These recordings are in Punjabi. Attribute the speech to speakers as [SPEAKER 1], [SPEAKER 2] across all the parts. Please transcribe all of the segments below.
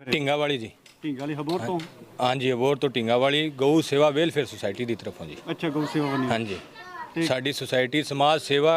[SPEAKER 1] ਢਿੰਗਾ ਵਾਲੀ ਜੀ।
[SPEAKER 2] ਢਿੰਗਾ ਵਾਲੀ ਹਬੋਰ ਤੋਂ?
[SPEAKER 1] ਹਾਂਜੀ, ਹਬੋਰ ਤੋਂ ਢਿੰਗਾ ਵਾਲੀ ਗਊ ਸੇਵਾ ਵੈਲਫੇਅਰ ਸੁਸਾਇਟੀ ਦੀ ਤਰਫੋਂ ਜੀ।
[SPEAKER 2] ਅੱਛਾ, ਗਊ ਸੇਵਾ ਬਣੀ।
[SPEAKER 1] ਹਾਂਜੀ, ਸਾਡੀ ਸੁਸਾਇਟੀ ਸਮਾਜ ਸੇਵਾ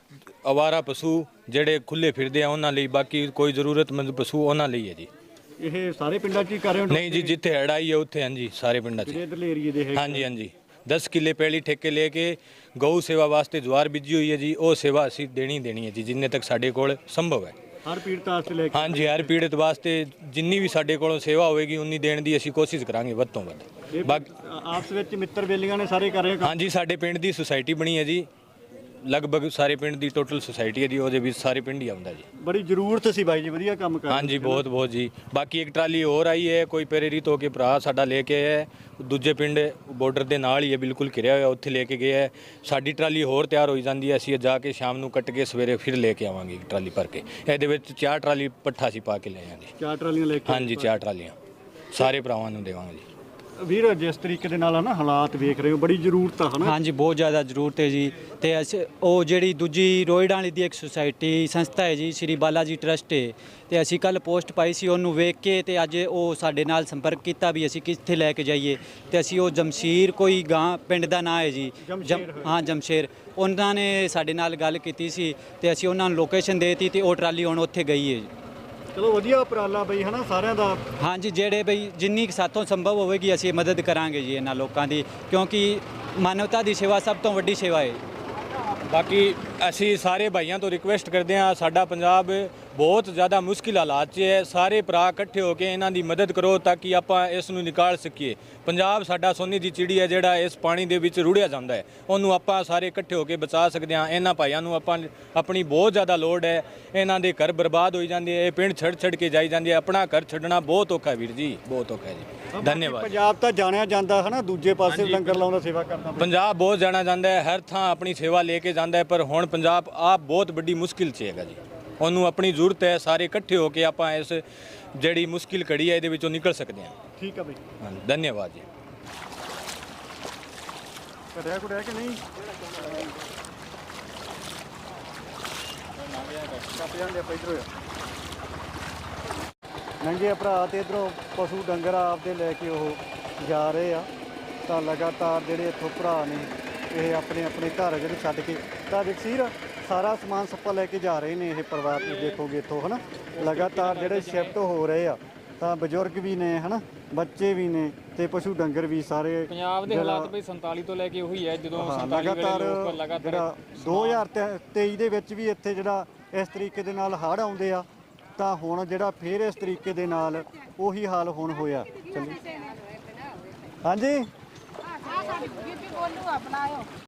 [SPEAKER 1] ਅਵਾਰਾ ਪਸ਼ੂ ਜਿਹੜੇ ਖੁੱਲੇ ਫਿਰਦੇ ਆ ਉਹਨਾਂ ਲਈ, ਬਾਕੀ ਕੋਈ ਜ਼ਰੂਰਤਮੰਦ ਪਸ਼ੂ ਉਹਨਾਂ ਲਈ ਹੈ ਜੀ।
[SPEAKER 2] ਇਹ ਸਾਰੇ ਪਿੰਡਾਂ 'ਚ ਹੀ ਕਰ ਰਹੇ ਹੋ?
[SPEAKER 1] ਨਹੀਂ ਜੀ, ਜਿੱਥੇ ਹੜ੍ਹ ਆਈ ਹੈ ਉੱਥੇ ਹਾਂਜੀ, ਸਾਰੇ ਪਿੰਡਾਂ 'ਚ।
[SPEAKER 2] ਇਧਰਲੇ ਏਰੀਏ ਦੇ ਹੈ?
[SPEAKER 1] ਹਾਂਜੀ ਹਾਂਜੀ, 10 ਕਿੱਲੇ ਪਹਿਲੀ ਠੇਕੇ ਲੈ ਕੇ ਗਊ ਸੇਵਾ ਵਾਸਤੇ ਜਵਾਰ ਬੀਜੀ ਹੋਈ ਹੈ ਜੀ। ਉਹ ਸੇਵਾ ਅਸੀਂ ਦੇਣੀ ਹੈ ਜੀ, ਜਿੰਨੇ ਤੱਕ ਸਾਡੇ ਕੋਲ ਸੰਭਵ ਹੈ।
[SPEAKER 2] ਹਰ ਪੀੜਤ ਵਾਸਤੇ ਲੈ ਕੇ?
[SPEAKER 1] ਹਾਂਜੀ, ਹਰ ਪੀੜਤ ਵਾਸਤੇ ਜਿੰਨੀ ਵੀ ਸਾਡੇ ਕੋਲੋਂ ਸੇਵਾ ਹੋਵੇਗੀ ਉਨੀ ਦੇਣ ਦੀ ਅਸੀਂ ਕੋਸ਼ਿਸ਼ ਕਰਾਂਗੇ ਵੱਧ ਤੋਂ ਵੱਧ। ਬਾਕੀ
[SPEAKER 2] ਆਪਸ ਵਿੱਚ ਮਿੱਤਰ ਬੇਲੀਆਂ ਨੇ ਸਾਰੇ ਕਰ ਰਹੇ ਕੰਮ?
[SPEAKER 1] ਹਾਂਜੀ, ਸਾਡੇ ਪਿੰਡ ਦੀ ਸੁਸਾਇਟੀ ਬਣੀ ਹੈ ਜੀ, ਲਗਭਗ ਸਾਰੇ ਪਿੰਡ ਦੀ ਟੋਟਲ ਸੁਸਾਇਟੀ ਹੈ ਜੀ, ਉਹਦੇ ਵਿੱਚ ਸਾਰੇ ਪਿੰਡ ਹੀ ਆਉਂਦਾ ਜੀ।
[SPEAKER 2] ਬੜੀ ਜ਼ਰੂਰਤ ਸੀ ਬਾਈ ਜੀ, ਵਧੀਆ ਕੰਮ ਕਰ ਰਹੇ।
[SPEAKER 1] ਹਾਂਜੀ, ਬਹੁਤ ਬਹੁਤ ਜੀ। ਬਾਕੀ ਇੱਕ ਟਰਾਲੀ ਹੋਰ ਆਈ ਹੈ, ਕੋਈ ਪ੍ਰੇਰਿਤ ਹੋ ਕੇ ਭਰਾ ਸਾਡਾ ਲੈ ਕੇ ਆਇਆ, ਦੂਜੇ ਪਿੰਡ ਬਾਰਡਰ ਦੇ ਨਾਲ ਹੀ ਹੈ, ਬਿਲਕੁਲ ਘਿਰਿਆ ਹੋਇਆ, ਉੱਥੇ ਲੈ ਕੇ ਗਿਆ ਹੈ। ਸਾਡੀ ਟਰਾਲੀ ਹੋਰ ਤਿਆਰ ਹੋਈ ਜਾਂਦੀ ਹੈ, ਅਸੀਂ ਜਾ ਕੇ ਸ਼ਾਮ ਨੂੰ ਕੱਟ ਕੇ ਸਵੇਰੇ ਫਿਰ ਲੈ ਕੇ ਆਵਾਂਗੇ ਇੱਕ ਟਰਾਲੀ ਭਰ ਕੇ। ਇਹਦੇ ਵਿੱਚ 4 ਟਰਾਲੀ ਪੱਠਾ ਅਸੀਂ ਪਾ ਕੇ ਲੈ ਆਵਾਂਗੇ।
[SPEAKER 2] 4 ਟਰਾਲੀਆਂ ਲੈ ਕੇ?
[SPEAKER 1] ਹਾਂਜੀ, 4 ਟਰਾਲੀਆਂ ਸਾਰੇ ਭਰਾਵਾਂ ਨੂੰ ਦੇਵਾਂਗੇ ਜੀ।
[SPEAKER 2] ਵੀਰ, ਜਿਸ ਤਰੀਕੇ ਦੇ ਨਾਲ ਹੈ ਨਾ ਹਾਲਾਤ ਵੇਖ ਰਹੇ ਹੋ, ਬੜੀ ਜ਼ਰੂਰਤ ਆ, ਹੈ ਨਾ?
[SPEAKER 3] ਹਾਂਜੀ, ਬਹੁਤ ਜ਼ਿਆਦਾ ਜ਼ਰੂਰਤ ਹੈ ਜੀ। ਤੇ ਉਹ ਜਿਹੜੀ ਦੂਜੀ ਰੋਇਡਾਂ ਵਾਲੀ ਦੀ ਇੱਕ ਸੁਸਾਇਟੀ ਸੰਸਥਾ ਹੈ ਜੀ, ਸ਼੍ਰੀ ਬਾਲਾ ਜੀ ਟਰਸਟ ਹੈ, ਤੇ ਅਸੀਂ ਕੱਲ ਪੋਸਟ ਪਾਈ ਸੀ, ਉਹਨੂੰ ਵੇਖ ਕੇ ਤੇ ਅੱਜ ਉਹ ਸਾਡੇ ਨਾਲ ਸੰਪਰਕ ਕੀਤਾ ਵੀ ਅਸੀਂ ਕਿੱਥੇ ਲੈ ਕੇ ਜਾਈਏ। ਤੇ ਅਸੀਂ ਉਹ ਜਮਸ਼ੀਰ ਕੋਈ ਗਾਂ ਪਿੰਡ ਦਾ ਨਾਂ ਹੈ ਜੀ, ਹਾਂ ਜਮਸ਼ੇਰ, ਉਹਨਾਂ ਨੇ ਸਾਡੇ ਨਾਲ ਗੱਲ ਕੀਤੀ ਸੀ ਤੇ ਅਸੀਂ ਉਹਨਾਂ ਨੂੰ ਲੋਕੇਸ਼ਨ ਦੇਤੀ ਤੇ ਉਹ ਟਰਾਲੀ ਹੁਣ ਉੱਥੇ ਗਈ ਹੈ ਜੀ।
[SPEAKER 2] ਚਲੋ ਵਧੀਆ ਉਪਰਾਲਾ ਬਈ, ਹੈ ਨਾ, ਸਾਰਿਆਂ ਦਾ।
[SPEAKER 3] ਹਾਂਜੀ, ਜਿਹੜੇ ਬਈ ਜਿੰਨੀ ਸਾਥੋਂ ਸੰਭਵ ਹੋਵੇਗੀ ਅਸੀਂ ਮਦਦ ਕਰਾਂਗੇ ਜੀ ਇਹਨਾਂ ਲੋਕਾਂ ਦੀ, ਕਿਉਂਕਿ ਮਾਨਵਤਾ ਦੀ ਸੇਵਾ ਸਭ ਤੋਂ ਵੱਡੀ ਸੇਵਾ ਹੈ।
[SPEAKER 1] ਬਾਕੀ ਅਸੀਂ ਸਾਰੇ ਭਾਈਆਂ ਤੋਂ ਰਿਕੁਐਸਟ ਕਰਦੇ ਹਾਂ, ਸਾਡਾ ਪੰਜਾਬ ਬਹੁਤ ਜ਼ਿਆਦਾ ਮੁਸ਼ਕਿਲ ਹਾਲਾਤ 'ਚ ਹੈ। ਸਾਰੇ ਭਰਾ ਇਕੱਠੇ ਹੋ ਕੇ ਇਹਨਾਂ ਦੀ ਮਦਦ ਕਰੋ ਤਾਂ ਕਿ ਆਪਾਂ ਇਸ ਨੂੰ ਨਿਕਾਲ ਸਕੀਏ। ਪੰਜਾਬ ਸਾਡਾ ਸੋਨੇ ਦੀ ਚਿੜੀ ਹੈ, ਜਿਹੜਾ ਇਸ ਪਾਣੀ ਦੇ ਵਿੱਚ ਰੁੜਿਆ ਜਾਂਦਾ ਹੈ, ਉਹਨੂੰ ਆਪਾਂ ਸਾਰੇ ਇਕੱਠੇ ਹੋ ਕੇ ਬਚਾ ਸਕਦੇ ਹਾਂ। ਇਹਨਾਂ ਭਾਈਆਂ ਨੂੰ ਆਪਣੀ ਬਹੁਤ ਜ਼ਿਆਦਾ ਲੋੜ ਹੈ। ਇਹਨਾਂ ਦੇ ਘਰ ਬਰਬਾਦ ਹੋਈ ਜਾਂਦੇ ਹੈ, ਇਹ ਪਿੰਡ ਛੱਡ ਕੇ ਜਾਈ ਜਾਂਦੇ, ਆਪਣਾ ਘਰ ਛੱਡਣਾ ਬਹੁਤ ਔਖਾ ਵੀਰ ਜੀ, ਬਹੁਤ ਔਖਾ ਜੀ। ਧੰਨਵਾਦ।
[SPEAKER 2] ਪੰਜਾਬ ਤਾਂ ਜਾਣਿਆ ਜਾਂਦਾ ਹੈ ਨਾ, ਦੂਜੇ ਪਾਸੇ ਲੰਗਰ ਲਾਉਂਦਾ, ਸੇਵਾ ਕਰਦਾ।
[SPEAKER 1] ਪੰਜਾਬ ਬਹੁਤ ਜਾਣਾ ਜਾਂਦਾ ਹੈ, ਹਰ ਥਾਂ ਆਪਣੀ ਸੇਵਾ ਲੈ ਕੇ ਜਾਂਦਾ ਹੈ, ਪਰ ਹੁਣ ਪੰਜਾਬ ਆਪ ਬਹੁਤ ਵੱਡੀ ਮੁਸ਼ਕਿਲ 'ਚ ਹੈਗਾ ਜੀ। ਉਹਨੂੰ ਆਪਣੀ ਜ਼ਰੂਰਤ ਹੈ, ਸਾਰੇ ਇਕੱਠੇ ਹੋ ਕੇ ਆਪਾਂ ਇਸ ਜਿਹੜੀ ਮੁਸ਼ਕਿਲ ਘੜੀ ਹੈ ਇਹਦੇ ਵਿੱਚੋਂ ਨਿਕਲ ਸਕਦੇ ਹਾਂ।
[SPEAKER 2] ਠੀਕ ਹੈ ਬਈ,
[SPEAKER 1] ਹਾਂ, ਧੰਨਵਾਦ ਜੀ।
[SPEAKER 2] ਕਰਿਆ ਕੁੜਿਆ ਕਿ ਨਹੀਂ? ਨੰਗੇ ਭਰਾ ਤੇ ਇਧਰੋਂ ਪਸ਼ੂ ਡੰਗਰ ਆਪਦੇ ਲੈ ਕੇ ਉਹ ਜਾ ਰਹੇ ਆ, ਤਾਂ ਲਗਾਤਾਰ ਜਿਹੜੇ ਇੱਥੋਂ ਭਰਾ ਨੇ ਇਹ ਆਪਣੇ ਆਪਣੇ ਘਰ ਜਿਹੜੇ ਛੱਡ ਕੇ, ਤਾਂ ਜਗਸੀਰ ਸਾਰਾ ਸਮਾਨ ਸੱਪਾ ਲੈ ਕੇ ਜਾ ਰਹੇ ਨੇ ਇਹ ਪਰਿਵਾਰ। ਤੁਸੀਂ ਦੇਖੋਗੇ ਇੱਥੋਂ, ਹੈ ਨਾ, ਲਗਾਤਾਰ ਜਿਹੜੇ ਸ਼ਿਫਟ ਹੋ ਰਹੇ ਆ, ਤਾਂ ਬਜ਼ੁਰਗ ਵੀ ਨੇ, ਹੈ ਨਾ, ਬੱਚੇ ਵੀ ਨੇ, ਤੇ ਪਸ਼ੂ ਡੰਗਰ ਵੀ ਸਾਰੇ।
[SPEAKER 4] ਪੰਜਾਬ ਦੇ ਹਾਲਾਤ ਬਈ 47 ਤੋਂ ਲੈ ਕੇ ਉਹੀ ਹੈ, ਜਦੋਂ 47
[SPEAKER 2] ਲਗਾਤਾਰ
[SPEAKER 4] ਜਿਹੜਾ
[SPEAKER 2] 2023 ਦੇ ਵਿੱਚ ਵੀ ਇੱਥੇ ਜਿਹੜਾ ਇਸ ਤਰੀਕੇ ਦੇ ਨਾਲ ਹੜ੍ਹ ਆਉਂਦੇ ਆ, ਤਾਂ ਹੁਣ ਜਿਹੜਾ ਫੇਰ ਇਸ ਤਰੀਕੇ ਦੇ ਨਾਲ ਉਹੀ ਹਾਲ ਹੁਣ ਹੋਇਆ। ਚੱਲੀ ਹਾਂਜੀ।